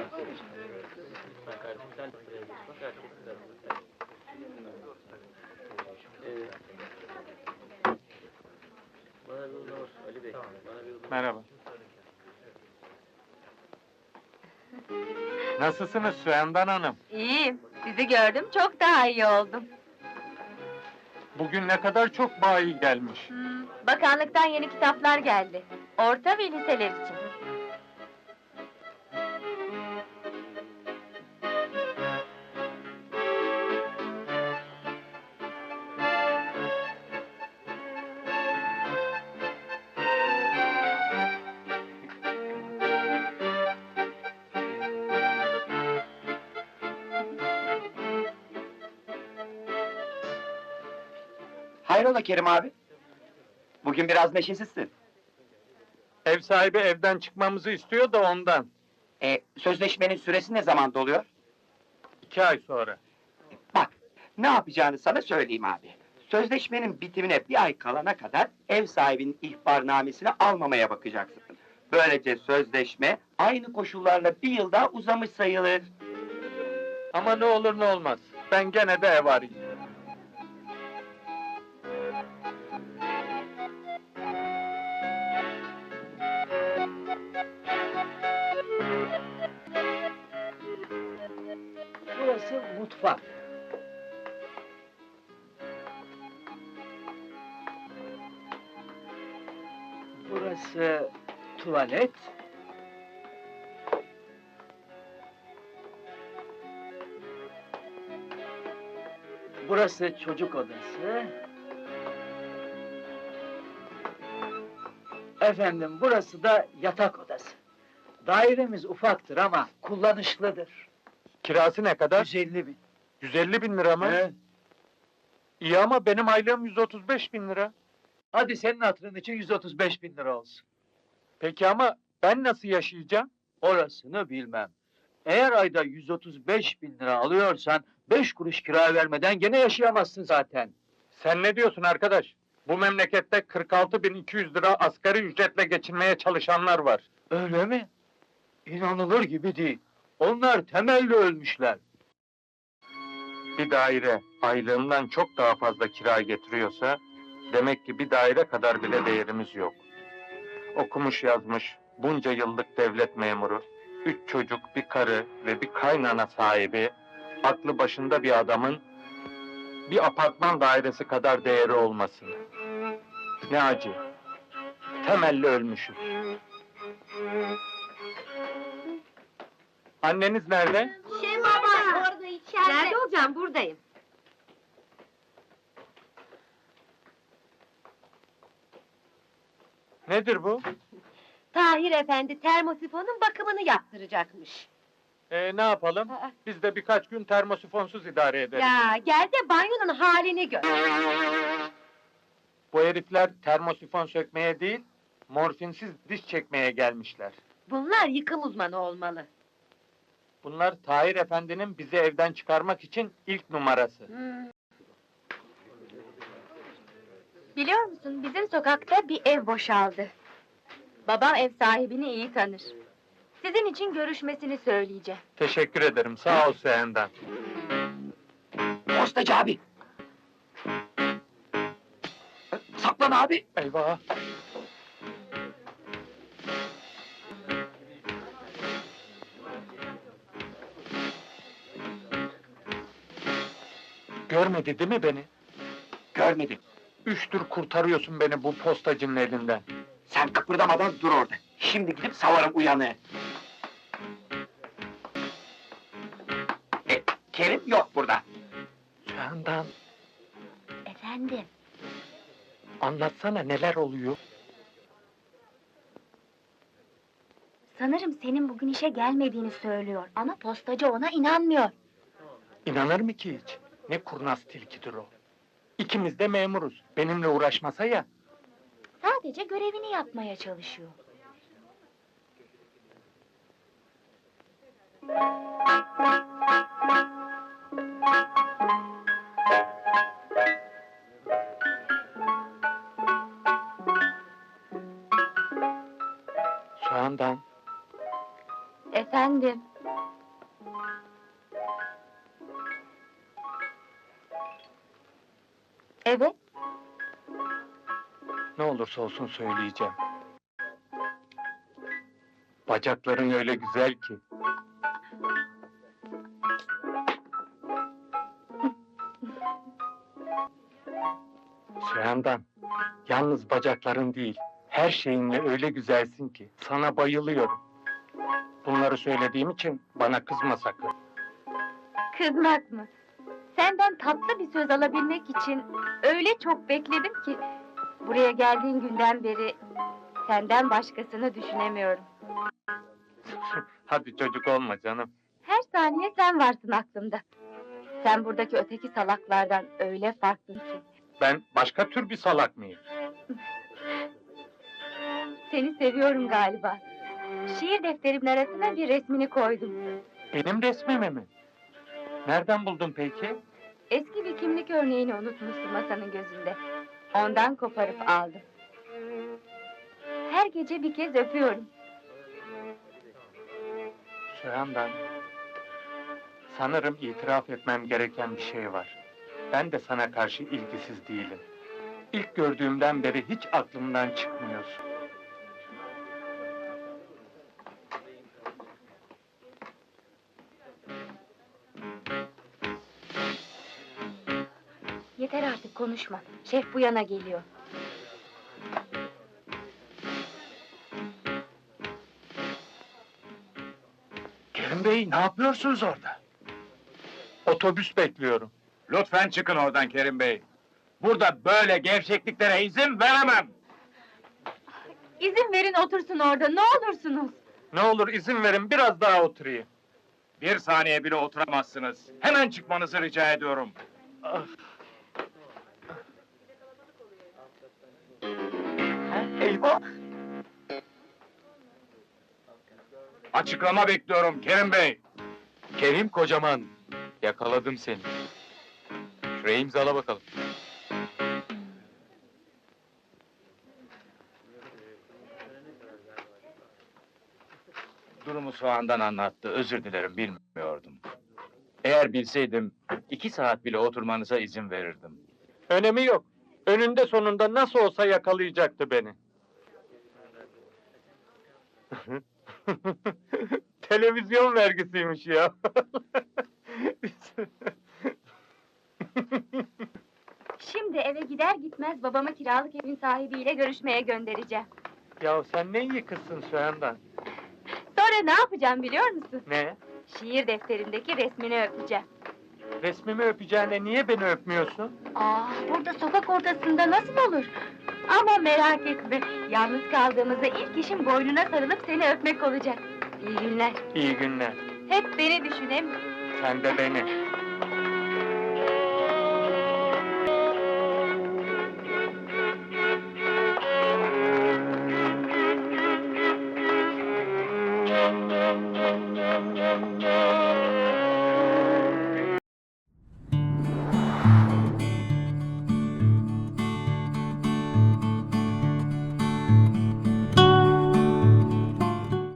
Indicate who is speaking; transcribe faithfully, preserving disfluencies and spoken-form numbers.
Speaker 1: Bak artık sen de buraya geç. Bak artık sen de. Evet. Bana bir uzun olsun Ali Bey. Bana bir uzun.
Speaker 2: Merhaba. Nasılsınız Süendan Hanım?
Speaker 3: İyiyim. Sizi gördüm, çok daha iyi oldum.
Speaker 2: Bugün ne kadar çok bayi gelmiş.
Speaker 3: Hmm, bakanlıktan yeni kitaplar geldi. Orta ve liseler için.
Speaker 4: Hayrola Kerim abi? Bugün biraz neşesizsin.
Speaker 2: Ev sahibi evden çıkmamızı istiyor da ondan.
Speaker 4: E, sözleşmenin süresi ne zaman doluyor?
Speaker 2: İki ay sonra.
Speaker 4: Bak, ne yapacağını sana söyleyeyim abi. Sözleşmenin bitimine bir ay kalana kadar ev sahibinin ihbarnamesini almamaya bakacaksın. Böylece sözleşme aynı koşullarla bir yıl daha uzamış sayılır.
Speaker 2: Ama ne olur ne olmaz. Ben gene de ev arayayım.
Speaker 5: Burası mutfak. Burası tuvalet. Burası çocuk odası. Efendim, burası da yatak odası. Dairemiz ufaktır ama kullanışlıdır.
Speaker 2: Kirası ne kadar?
Speaker 5: yüz elli bin.
Speaker 2: yüz elli bin lira mı?
Speaker 5: He?
Speaker 2: İyi ama benim aylığım yüz otuz beş bin lira.
Speaker 5: Hadi senin hatırın için yüz otuz beş bin lira olsun.
Speaker 2: Peki ama ben nasıl yaşayacağım?
Speaker 5: Orasını bilmem. Eğer ayda yüz otuz beş bin lira alıyorsan, beş kuruş kira vermeden gene yaşayamazsın zaten.
Speaker 2: Sen ne diyorsun arkadaş? Bu memlekette kırk altı bin iki yüz lira asgari ücretle geçinmeye çalışanlar var.
Speaker 5: Öyle mi? İnanılır gibi değil. Onlar temelli ölmüşler.
Speaker 2: Bir daire aylığımdan çok daha fazla kira getiriyorsa, demek ki bir daire kadar bile değerimiz yok. Okumuş yazmış, bunca yıllık devlet memuru, üç çocuk, bir karı ve bir kaynana sahibi, aklı başında bir adamın bir apartman dairesi kadar değeri olmasın. Ne acı. Temelli ölmüşüz. Anneniz nerede?
Speaker 3: Şey baba, orada içeride. Nerede olacağım? Buradayım.
Speaker 2: Nedir bu?
Speaker 3: Tahir Efendi termosifonun bakımını yaptıracakmış.
Speaker 2: Ee, ne yapalım?
Speaker 3: Aa.
Speaker 2: Biz de birkaç gün termosifonsuz idare ederiz.
Speaker 3: Ya gel de banyonun halini gör.
Speaker 2: Bu herifler termosifon sökmeye değil, morfinsiz diş çekmeye gelmişler.
Speaker 3: Bunlar yıkım uzmanı olmalı.
Speaker 2: Bunlar Tahir Efendi'nin bizi evden çıkarmak için ilk numarası.
Speaker 3: Hmm. Biliyor musun, bizim sokakta bir ev boşaldı. Babam ev sahibini iyi tanır. Sizin için görüşmesini söyleyeceğim.
Speaker 2: Teşekkür ederim, sağ ol Süendan.
Speaker 4: Postacı abi! Saklan abi!
Speaker 2: Eyvah! Görmedi değil mi beni?
Speaker 4: Görmedim.
Speaker 2: Üçtür kurtarıyorsun beni bu postacının elinden.
Speaker 4: Sen kıpırdamadan dur orada. Şimdi gidip savarım uyanığı. E, Kerim yok burada.
Speaker 2: Süendan,
Speaker 3: Efendim?
Speaker 2: anlatsana neler oluyor?
Speaker 3: Sanırım senin bugün işe gelmediğini söylüyor ama postacı ona inanmıyor.
Speaker 2: İnanır mı ki hiç? Ne kurnaz tilkidir o. İkimiz de memuruz. Benimle uğraşmasa ya.
Speaker 3: Sadece görevini yapmaya çalışıyor.
Speaker 2: Süendan,
Speaker 3: Efendim? Evet.
Speaker 2: Ne olursa olsun söyleyeceğim. Bacakların öyle güzel ki. Sürendan, yalnız bacakların değil, her şeyinle öyle güzelsin ki, sana bayılıyorum. Bunları söylediğim için bana kızma sakın.
Speaker 3: Kızmak mı? Senden tatlı bir söz alabilmek için öyle çok bekledim ki... ...buraya geldiğin günden beri senden başkasını düşünemiyorum.
Speaker 2: Hadi çocuk olma canım.
Speaker 3: Her saniye sen varsın aklımda. Sen buradaki öteki salaklardan öyle farklısın ki.
Speaker 2: Ben başka tür bir salak mıyım?
Speaker 3: Seni seviyorum galiba. Şiir defterimin arasına bir resmini koydum.
Speaker 2: Benim resmimi mi? Nereden buldun peki?
Speaker 3: Eski bir kimlik örneğini unutmuşsun masanın gözünde. Ondan koparıp aldım. Her gece bir kez öpüyorum.
Speaker 2: Sürendan, sanırım itiraf etmem gereken bir şey var. Ben de sana karşı ilgisiz değilim. İlk gördüğümden beri hiç aklımdan çıkmıyorsun.
Speaker 3: Yeter artık konuşma. Şef bu yana geliyor.
Speaker 5: Kerim Bey, ne yapıyorsunuz orada?
Speaker 2: Otobüs bekliyorum.
Speaker 5: Lütfen çıkın oradan Kerim Bey. Burada böyle gevşekliklere izin veremem.
Speaker 3: İzin verin otursun orada, ne olursunuz.
Speaker 2: Ne olur izin verin, biraz daha oturayım.
Speaker 5: Bir saniye bile oturamazsınız. Hemen çıkmanızı rica ediyorum.
Speaker 2: Ah,
Speaker 4: Eyvah!
Speaker 5: Açıklama bekliyorum Kerim Bey.
Speaker 6: Kerim Kocaman, yakaladım seni. Şuraya imzala bakalım.
Speaker 5: Durumu soğandan anlattı, özür dilerim, bilmiyordum. Eğer bilseydim, iki saat bile oturmanıza izin verirdim.
Speaker 2: önemi yok. Önünde sonunda nasıl olsa yakalayacaktı beni. Televizyon vergisiymiş ya.
Speaker 3: Şimdi eve gider gitmez babamı kiralık evin sahibiyle görüşmeye göndereceğim.
Speaker 2: Ya sen ne iyi kızsın Sürendan.
Speaker 3: Sonra ne yapacağım biliyor musun?
Speaker 2: Ne?
Speaker 3: Şiir defterindeki resmini öpeceğim.
Speaker 2: Resmimi öpeceğine niye beni öpmüyorsun?
Speaker 3: Aa, burada sokak ortasında nasıl olur? Ama merak etme, yalnız kaldığımızda ilk işim boynuna sarılıp seni öpmek olacak. İyi günler.
Speaker 2: İyi günler.
Speaker 3: Hep beni düşün hem...
Speaker 2: Sen de beni.